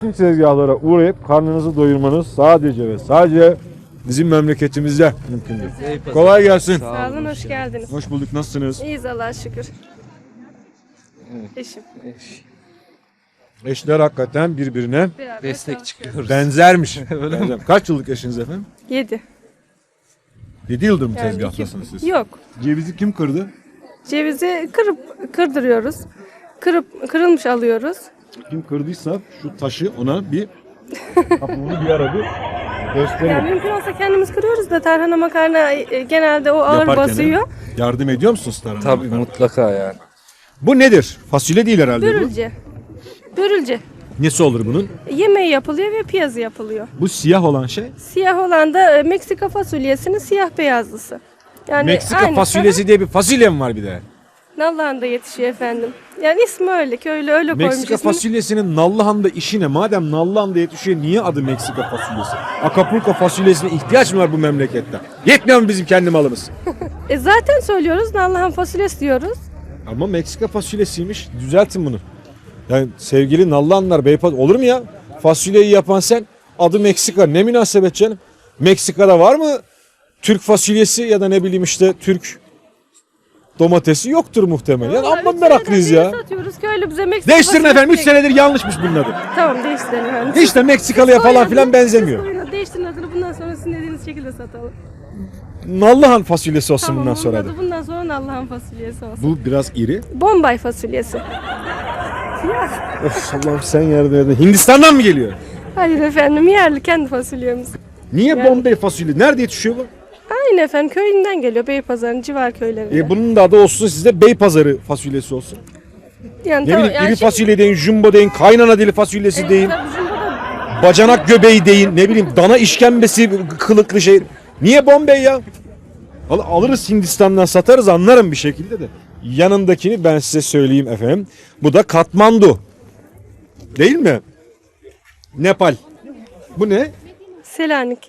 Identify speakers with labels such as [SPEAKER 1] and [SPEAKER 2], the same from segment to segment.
[SPEAKER 1] Tezgahlara uğrayıp karnınızı doyurmanız sadece ve sadece bizim memleketimizde mümkündür. Kolay gelsin.
[SPEAKER 2] Sağ olun, hoş geldiniz.
[SPEAKER 1] Hoş bulduk. Nasılsınız?
[SPEAKER 2] İyiyiz Allah'a şükür. Eşim.
[SPEAKER 1] Eşler hakikaten birbirine
[SPEAKER 2] Beraber
[SPEAKER 3] Destek çıkıyoruz.
[SPEAKER 1] benzermiş. Kaç yıllık eşiniz efendim?
[SPEAKER 2] 7.
[SPEAKER 1] 7 yıldır mı
[SPEAKER 2] Yani
[SPEAKER 1] tezgahtasınız siz?
[SPEAKER 2] Yok.
[SPEAKER 1] Cevizi kim kırdı?
[SPEAKER 2] Cevizi kırdırıyoruz. Kırılmış alıyoruz.
[SPEAKER 1] Kim kırdıysa şu taşı ona bir kapımını bir ara bir gösterelim.
[SPEAKER 2] Yani mümkün olsa kendimiz kırıyoruz da tarhana makarna genelde o ağır
[SPEAKER 1] Yaparken
[SPEAKER 2] basıyor.
[SPEAKER 1] yardım ediyor musunuz tarhana?
[SPEAKER 3] Tabii mutlaka yani.
[SPEAKER 1] Bu nedir? Fasulye değil herhalde bu.
[SPEAKER 2] Börülce. Börülce.
[SPEAKER 1] Nesi olur bunun?
[SPEAKER 2] Yemeği yapılıyor ve piyazı yapılıyor.
[SPEAKER 1] Bu siyah olan şey.
[SPEAKER 2] Siyah olan da Meksika fasulyesinin siyah beyazlısı. Yani
[SPEAKER 1] Meksika
[SPEAKER 2] aynı.
[SPEAKER 1] fasulyesi diye bir fasulye mi var bir de?
[SPEAKER 2] Nallıhan'da yetişiyor efendim. Yani ismi öyle, köylü öyle koymuş
[SPEAKER 1] Meksika
[SPEAKER 2] ismini.
[SPEAKER 1] fasulyesinin Nallıhan'da işi ne? Madem Nallıhan'da yetişiyor niye adı Meksika fasulyesi? Acapulco fasulyesine ihtiyaç mı var bu memlekette? Yetmiyor mu bizim kendi malımız?
[SPEAKER 2] Zaten söylüyoruz Nallıhan fasulyesi diyoruz.
[SPEAKER 1] Ama Meksika fasulyesiymiş. Düzeltin bunu. Yani sevgili Nallıhanlar, Beypaz olur mu ya? Fasulyeyi yapan sen, adı Meksika. Ne münasebet canım? Meksika'da var mı Türk fasulyesi ya da ne bileyim işte Türk domatesi yoktur muhtemelen. Yani amma meraklıyız ya.
[SPEAKER 2] Satıyoruz köylü bize Meksika
[SPEAKER 1] Değiştirin
[SPEAKER 2] fasulyesi
[SPEAKER 1] efendim. 3
[SPEAKER 2] diye-
[SPEAKER 1] senedir yanlışmış bunun adı.
[SPEAKER 2] Tamam değiştirelim efendim.
[SPEAKER 1] Hiç de Meksikalıya falan filan benzemiyor.
[SPEAKER 2] Değiştirin adını bundan sonra sizin dediğiniz şekilde satalım.
[SPEAKER 1] Nallıhan fasulyesi olsun
[SPEAKER 2] Tamam
[SPEAKER 1] bundan sonra
[SPEAKER 2] onun
[SPEAKER 1] adı.
[SPEAKER 2] adı bundan sonra Nallıhan fasulyesi olsun.
[SPEAKER 1] Bu biraz iri.
[SPEAKER 2] Bombay fasulyesi.
[SPEAKER 1] Of Allah'ım sen yardım edin. Hindistan'dan mı geliyor?
[SPEAKER 2] Hayır efendim yerli kendi fasulyemiz.
[SPEAKER 1] Niye
[SPEAKER 2] Yani-
[SPEAKER 1] Bombay fasulye? Nerede yetişiyor bu?
[SPEAKER 2] Aynı efendim köyünden geliyor Beypazarı'nın civar köylerinde.
[SPEAKER 1] Bunun da adı olsun sizde Beypazarı fasulyesi olsun.
[SPEAKER 2] Yani
[SPEAKER 1] Ne
[SPEAKER 2] tamam,
[SPEAKER 1] bileyim
[SPEAKER 2] yani
[SPEAKER 1] iri
[SPEAKER 2] şimdi-
[SPEAKER 1] fasulye deyin, jumbo deyin, kaynana dili fasulyesi deyin,
[SPEAKER 2] Tabii bizim burada
[SPEAKER 1] bacanak göbeği deyin, ne bileyim dana işkembesi kılıklı şey. Niye Bombay ya? Alırız Hindistan'dan satarız anlarım bir şekilde de. Yanındakini ben size söyleyeyim efendim. Bu da Katmandu. Değil mi? Nepal. Bu ne?
[SPEAKER 2] Selanik.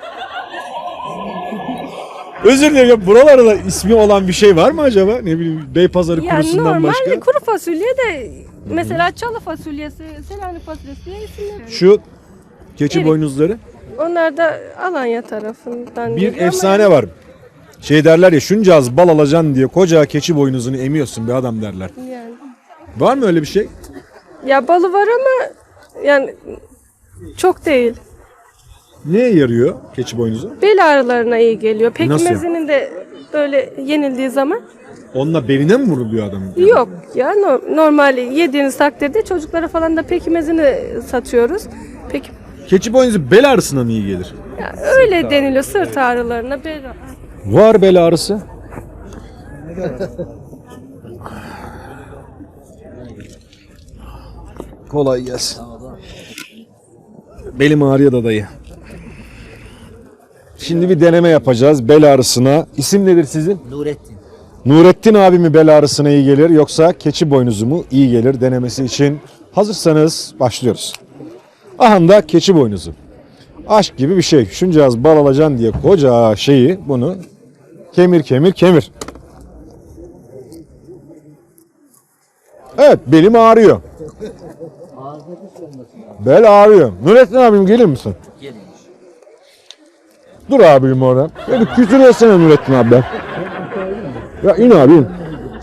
[SPEAKER 1] Özür dilerim. Buralarda ismi olan bir şey var mı acaba? Ne bileyim Beypazarı
[SPEAKER 2] Yani
[SPEAKER 1] kurusundan
[SPEAKER 2] normal
[SPEAKER 1] başka.
[SPEAKER 2] kuru fasulye de mesela çalı fasulyesi, Selanik fasulyesi diye isimler.
[SPEAKER 1] Şu keçi
[SPEAKER 2] Evet.
[SPEAKER 1] boynuzları.
[SPEAKER 2] Onlar da Alanya tarafından
[SPEAKER 1] Bir
[SPEAKER 2] geliyor ama
[SPEAKER 1] efsane var. Şey derler ya şunca az bal alacaksın diye koca keçi boynuzunu emiyorsun bir adam derler.
[SPEAKER 2] yani.
[SPEAKER 1] Var mı öyle bir şey?
[SPEAKER 2] Ya balı var ama yani çok değil.
[SPEAKER 1] Neye yarıyor keçi boynuzu?
[SPEAKER 2] Bel ağrılarına iyi geliyor.
[SPEAKER 1] Nasıl?
[SPEAKER 2] Pekmezinin de böyle yenildiği zaman
[SPEAKER 1] Onunla beline mi vuruluyor adam?
[SPEAKER 2] yok ya normal yediğiniz takdirde çocuklara falan da pekmezini satıyoruz. Peki
[SPEAKER 1] Keçi boynuzu bel ağrısına mı iyi gelir?
[SPEAKER 2] ya öyle deniliyor sırt ağrılarına bel
[SPEAKER 1] Var bel ağrısı. Kolay gelsin. Belim ağrıyor da dayı. Şimdi bir deneme yapacağız bel ağrısına. İsim nedir sizin?
[SPEAKER 4] Nurettin.
[SPEAKER 1] Nurettin abi mi bel ağrısına iyi gelir yoksa keçi boynuzu mu iyi gelir denemesi için hazırsanız başlıyoruz. Aha da keçi boynuzu. Aşk gibi bir şey. Şunca az bal alacaksın diye koca şeyi bunu kemir kemir kemir. Evet belim ağrıyor. Bel ağrıyor. Nurettin abim gelir misin? Dur abim orada. Ya bir küfür etsene Nurettin abi. Ya in abi in.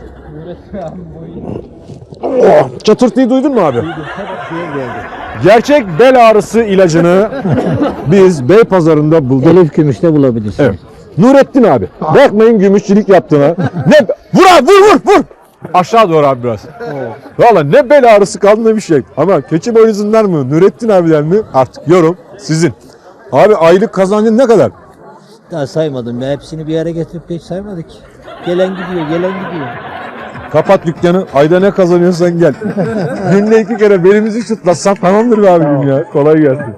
[SPEAKER 1] Oh, çatırtıyı duydun mu abi? Gerçek bel ağrısı ilacını biz Beypazarı'nda bulduk.
[SPEAKER 4] Elif Gümüş'te bulabilirsin.
[SPEAKER 1] Evet. Nurettin abi. Bakmayın gümüşçülük yaptığına. Ne? Vur abi vur. Aşağı doğru abi biraz. Valla ne bel ağrısı kaldı ne bir şey. Ama keçi boynuzundan mı Nurettin abiden mi artık yorum sizin. Abi aylık kazancın ne kadar?
[SPEAKER 4] Daha saymadım ya. Hepsini bir yere getirip hiç saymadık. Gelen gidiyor.
[SPEAKER 1] Kapat dükkanı. Ayda ne kazanıyorsan gel. Günde 2 kere belimizi çıtlatsan tamamdır be abim ya. Kolay gelsin.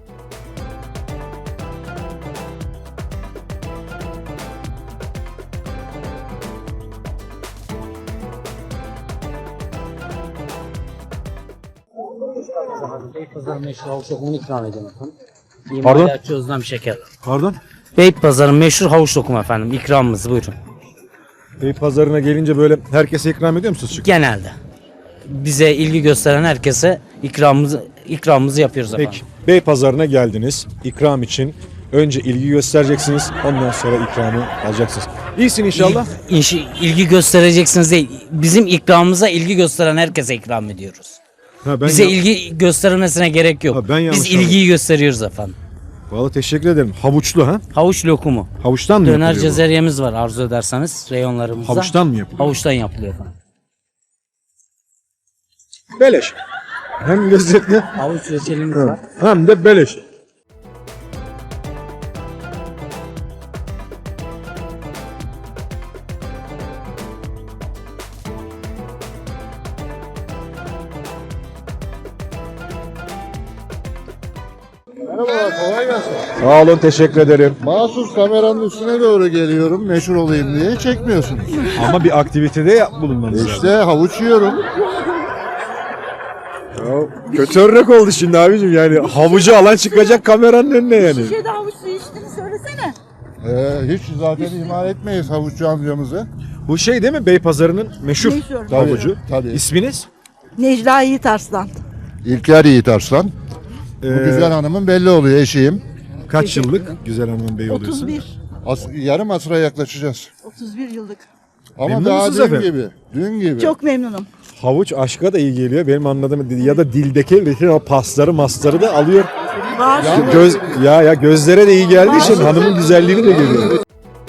[SPEAKER 5] Beypazarı meşhur havuç lokumunu ikram edeyim efendim.
[SPEAKER 1] Pardon?
[SPEAKER 5] İmalatçı Özlem Şeker.
[SPEAKER 1] Pardon?
[SPEAKER 5] Beypazarı meşhur havuç lokumu efendim. İkramımız buyurun.
[SPEAKER 1] Pazarına gelince böyle herkese ikram ediyor musunuz?
[SPEAKER 5] Genelde. Bize ilgi gösteren herkese ikramımızı ikramımızı yapıyoruz efendim.
[SPEAKER 1] Peki Beypazarı'na geldiniz. İkram için önce ilgi göstereceksiniz. Ondan sonra ikramı alacaksınız. İyisin inşallah.
[SPEAKER 5] İlgi göstereceksiniz değil. Bizim ikramımıza ilgi gösteren herkese ikram ediyoruz.
[SPEAKER 1] Ha, ben
[SPEAKER 5] Bize ilgi göstermesine gerek yok.
[SPEAKER 1] Ha, ben yanlış
[SPEAKER 5] Biz ilgiyi gösteriyoruz efendim.
[SPEAKER 1] Vallahi teşekkür ederim. Havuçlu ha?
[SPEAKER 5] Havuç lokumu.
[SPEAKER 1] Havuçtan mı
[SPEAKER 5] Döner
[SPEAKER 1] yapılıyor bu?
[SPEAKER 5] cezeryemiz var arzu ederseniz reyonlarımızda.
[SPEAKER 1] Havuçtan mı yapılıyor?
[SPEAKER 5] Havuçtan yapılıyor efendim.
[SPEAKER 1] Beleş. Hem lezzetli
[SPEAKER 5] Havuç reçelimiz var.
[SPEAKER 1] hem de beleş.
[SPEAKER 3] Merhaba, kolay gelsin.
[SPEAKER 1] Sağ olun, teşekkür ederim.
[SPEAKER 3] Mahsus kameranın üstüne doğru geliyorum, meşhur olayım diye çekmiyorsunuz.
[SPEAKER 1] Ama bir aktivitede bulunmanız lazım.
[SPEAKER 3] İşte havuç yiyorum.
[SPEAKER 1] Ya, kötü örnek oldu şimdi abicim, yani havucu alan çıkacak kameranın önüne yani.
[SPEAKER 6] Şişede havuç suyu içtiğini söylesene.
[SPEAKER 3] Hiç zaten ihmal etmeyiz havuççu amcamızı.
[SPEAKER 1] Bu şey değil mi, Beypazarı'nın meşhur
[SPEAKER 6] Meşhur.
[SPEAKER 1] havucu?
[SPEAKER 3] Tabii.
[SPEAKER 1] İsminiz?
[SPEAKER 6] Necla Yiğit Arslan.
[SPEAKER 3] İlker Yiğit Arslan. Bu güzel hanımın belli oluyor, eşiyim.
[SPEAKER 1] Kaç yıllık güzel hanımın beyi oluyorsun?
[SPEAKER 6] 31.
[SPEAKER 3] Yarım asra yaklaşacağız.
[SPEAKER 6] 31 yıllık.
[SPEAKER 3] Ama
[SPEAKER 1] Memnun
[SPEAKER 3] daha
[SPEAKER 1] musunuz
[SPEAKER 3] dün
[SPEAKER 1] efendim?
[SPEAKER 3] gibi. Dün gibi.
[SPEAKER 6] Çok memnunum.
[SPEAKER 1] Havuç aşka da iyi geliyor benim anladığım, ya da dildeki bütün o pasları masları da alıyor.
[SPEAKER 6] Var.
[SPEAKER 1] Gözlere de iyi geldiği için hanımın güzelliğini de görüyor.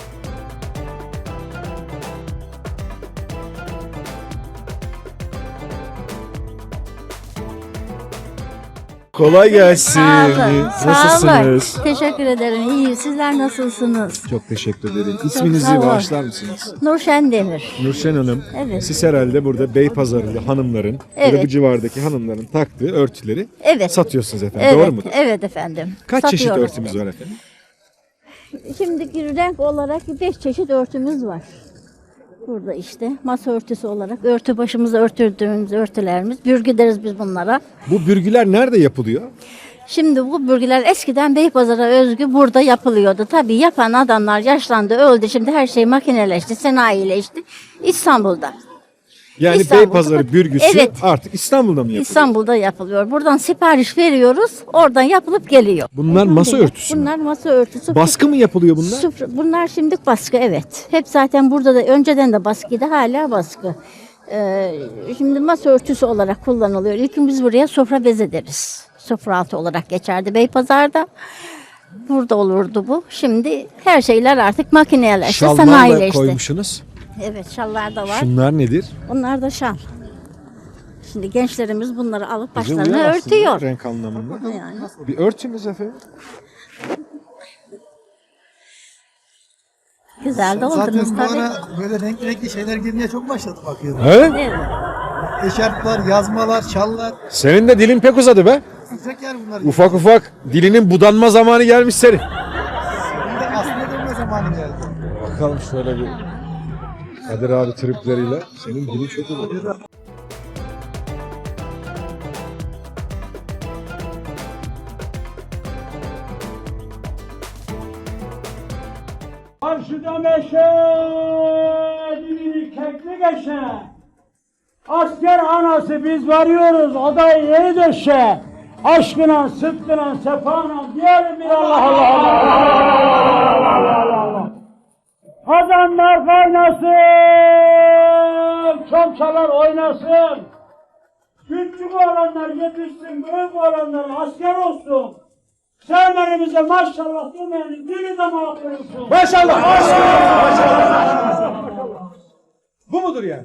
[SPEAKER 1] Kolay gelsin.
[SPEAKER 7] Sağ olun. Sağ olun.
[SPEAKER 1] Nasılsınız?
[SPEAKER 7] Teşekkür ederim. İyi. Sizler nasılsınız?
[SPEAKER 1] Çok teşekkür ederim. İsminizi
[SPEAKER 7] sağ olun.
[SPEAKER 1] bağışlar mısınız?
[SPEAKER 7] Nurşen Demir.
[SPEAKER 1] Nurşen Hanım,
[SPEAKER 7] Evet.
[SPEAKER 1] siz herhalde burada Beypazarı'nda hanımların ya da
[SPEAKER 7] Evet.
[SPEAKER 1] bu civardaki hanımların taktığı örtüleri
[SPEAKER 7] Evet.
[SPEAKER 1] satıyorsunuz efendim.
[SPEAKER 7] Evet.
[SPEAKER 1] Doğru mudur?
[SPEAKER 7] Evet efendim.
[SPEAKER 1] Kaç çeşit
[SPEAKER 7] Satıyoruz.
[SPEAKER 1] örtümüz var efendim?
[SPEAKER 7] Şimdi renk olarak 5 çeşit örtümüz var. Burada işte masa örtüsü olarak örtü başımıza örtürdüğümüz örtülerimiz. Bürgü deriz biz bunlara.
[SPEAKER 1] Bu bürgüler nerede yapılıyor?
[SPEAKER 7] Şimdi bu bürgüler eskiden Beypazarı'na özgü burada yapılıyordu. Tabii yapan adamlar yaşlandı, öldü. Şimdi her şey makineleşti, sanayileşti. İstanbul'da.
[SPEAKER 1] Yani
[SPEAKER 7] İstanbul'da.
[SPEAKER 1] Beypazarı bürgüsü
[SPEAKER 7] Evet.
[SPEAKER 1] artık İstanbul'da mı yapılıyor?
[SPEAKER 7] İstanbul'da yapılıyor. Buradan sipariş veriyoruz. Oradan yapılıp geliyor.
[SPEAKER 1] Bunlar masa örtüsü mü?
[SPEAKER 7] Bunlar masa örtüsü.
[SPEAKER 1] Baskı mı yapılıyor bunlar?
[SPEAKER 7] Bunlar şimdilik baskı, evet. Hep zaten burada da önceden de baskıydı, hala baskı. Şimdi masa örtüsü olarak kullanılıyor. İlk biz buraya sofra beze deriz. Sofra altı olarak geçerdi Beypazar'da. Burada olurdu bu. Şimdi her şeyler artık makineleşti,
[SPEAKER 1] Şallar da
[SPEAKER 7] sanayileşti.
[SPEAKER 1] koymuşsunuz.
[SPEAKER 7] Evet, şallar da var.
[SPEAKER 1] Şunlar nedir?
[SPEAKER 7] Onlar da şal. Şimdi gençlerimiz bunları alıp
[SPEAKER 1] Bize
[SPEAKER 7] başlarına
[SPEAKER 1] uyar aslında
[SPEAKER 7] örtüyor.
[SPEAKER 1] renk anlamında.
[SPEAKER 7] Yani.
[SPEAKER 1] Bir örtünüz efendim.
[SPEAKER 7] Güzel de oldunuz
[SPEAKER 8] Zaten bu
[SPEAKER 7] tabii.
[SPEAKER 8] ara böyle renkli şeyler girmeye çok başladı bakıyorum.
[SPEAKER 1] He?
[SPEAKER 7] Evet.
[SPEAKER 8] Eşarplar, yazmalar, şallar.
[SPEAKER 1] Senin de dilin pek uzadı be.
[SPEAKER 8] Sıcak yani bunlar.
[SPEAKER 1] Ufak ufak dilinin budanma zamanı gelmiş senin.
[SPEAKER 8] Şimdi aslında dönme zamanı geldi.
[SPEAKER 1] Bakalım şöyle bir Kadir abi tripleriyle. Senin dilin çok uzadı.
[SPEAKER 9] Karşıda meşe, dibini kekli geçe. Asker anası biz varıyoruz, odayı yeni döşe. Aşkına, sıdkına, sefana diyelim bir Allah Allah Allah. Kazanlar kaynasın, çomçalar oynasın. Küçük olanlar yetişsin, büyük olanlar asker olsun. Sevmenimize maşallah demeyenin dili damağı kırılsın.
[SPEAKER 1] Maşallah. Maşallah. Bu mudur yani?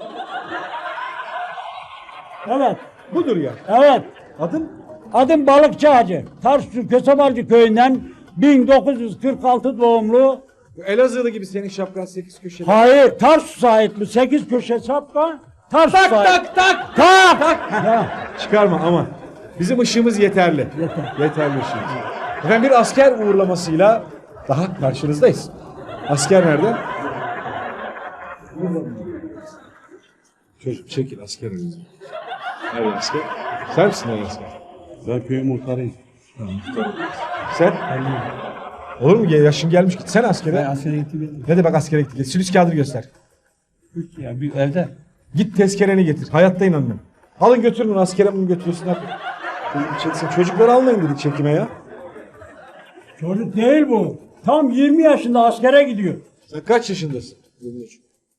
[SPEAKER 9] Evet,
[SPEAKER 1] Budur yani.
[SPEAKER 9] evet.
[SPEAKER 1] Adım?
[SPEAKER 9] Adım Balıkçı Hacı. Tarsus Kösebalcı köyünden 1946 doğumlu.
[SPEAKER 1] Elazığlı gibi senin şapkan 8 köşeli.
[SPEAKER 9] Hayır, Tarsus'a ait bu 8 köşe şapka. Tarsus'a ait. Tak!
[SPEAKER 1] Çıkarma ama. Bizim ışığımız yeterli. Yeterli ışığımız. Efendim bir asker uğurlamasıyla daha karşınızdayız. Asker nerede? Çocuk çekil asker önümüze. Nerede asker? Sen misin nerede asker?
[SPEAKER 10] Ben köyün muhtarıyım.
[SPEAKER 1] Sen? Olur mu? Yaşın gelmiş git sen askere.
[SPEAKER 10] Ben askere gittim.
[SPEAKER 1] Ne demek askere gittik? Sülüs kağıdını göster.
[SPEAKER 10] Ya bir evde.
[SPEAKER 1] Git tezkereni getir. Hayatta inanmıyorum. Alın götürün askere bunu götürüyorsun. Çeksin. Çocukları almayın dedik çekime ya.
[SPEAKER 9] Çocuk değil bu. Tam 20 yaşında askere gidiyor.
[SPEAKER 1] Sen kaç yaşındasın? 23.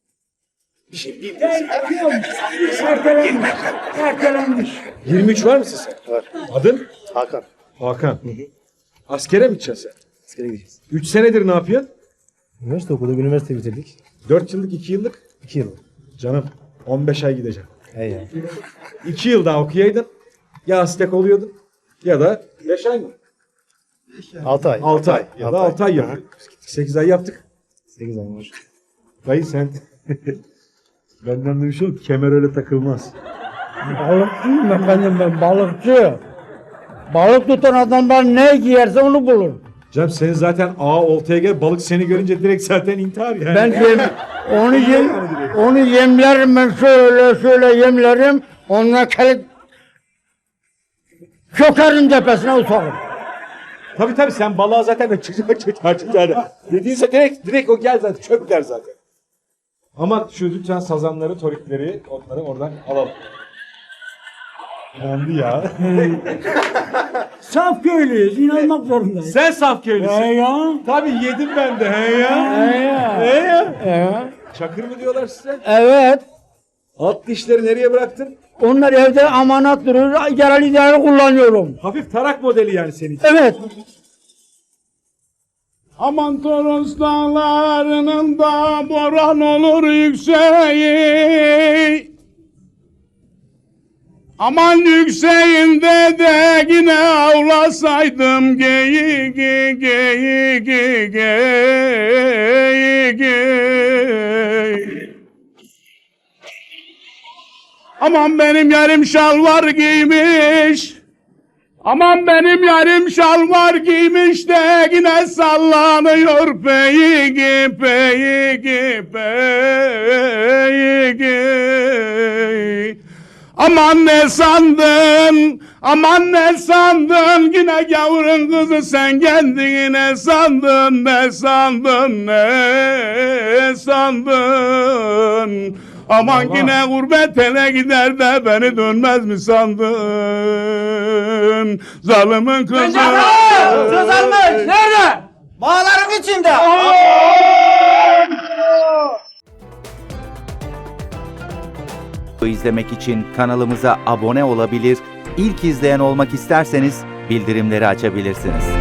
[SPEAKER 9] Ertelenmiş. Ertelenmiş.
[SPEAKER 1] 23 var mısın sen? Var. Adın?
[SPEAKER 8] Hakan.
[SPEAKER 1] Hakan. Askere mi gideceksin sen?
[SPEAKER 8] Askere gideceğiz.
[SPEAKER 1] 3 senedir ne yapıyorsun?
[SPEAKER 8] Üniversite okuduk, üniversite bitirdik.
[SPEAKER 1] 4 yıllık, 2 yıllık?
[SPEAKER 8] 2 yıl.
[SPEAKER 1] Canım 15 ay gideceğim.
[SPEAKER 8] He ya.
[SPEAKER 1] 2 yıl daha okuyaydın. Ya astek oluyordun ya da 5 ay mı?
[SPEAKER 8] 6 ay.
[SPEAKER 1] 6 ay. Ya da 6 ay yaptık. 8 ay yaptık.
[SPEAKER 8] 8 ay var.
[SPEAKER 1] Dayı sen benden de bir şey yok. Kemer öyle takılmaz.
[SPEAKER 9] Balıkçıyım ben balıkçı. Balık tutan adamlar ne giyerse onu bulur.
[SPEAKER 1] Canım senin zaten oltaya gel balık seni görünce direkt zaten intihar yani.
[SPEAKER 9] Ben onu yemlerim ben şöyle yemlerim. Onunla kelik çökerim tepesine uçarım.
[SPEAKER 1] Tabii sen balığa zaten çıkacak. Dediyse direkt o gel zaten çök der zaten. Ama şu lütfen sazanları, torikleri onları oradan alalım. Yandı ya.
[SPEAKER 9] Saf köylüyüz, inanmak zorundayız.
[SPEAKER 1] Sen saf köylüsün.
[SPEAKER 9] Ya.
[SPEAKER 1] Tabii yedim ben de he ya.
[SPEAKER 9] He ya.
[SPEAKER 1] Çakır mı diyorlar size?
[SPEAKER 9] Evet.
[SPEAKER 1] Alt dişleri nereye bıraktın?
[SPEAKER 9] Onlar evde amanat durur, yararlı idare kullanıyorum.
[SPEAKER 1] Hafif tarak modeli yani senin için.
[SPEAKER 9] Evet.
[SPEAKER 10] Aman Toros dağlarının da boran olur yükseği. Aman yükseğinde de yine avlasaydım geyik geyik geyik. Aman benim yarım şalvar giymiş. Aman benim yarım şalvar giymiş de yine sallanıyor peyik peyik peyik. Aman ne sandın, aman ne sandın, yine gavurun kızı sen kendini ne sandın, ne sandın, ne sandın. Aman yine gurbet ele gider de beni dönmez mi sandın? Zalimin kızı.
[SPEAKER 9] Sözlenmiş. Nerede? Bağların içinde.
[SPEAKER 11] İzlemek için kanalımıza abone olabilir, ilk izleyen olmak isterseniz bildirimleri açabilirsiniz.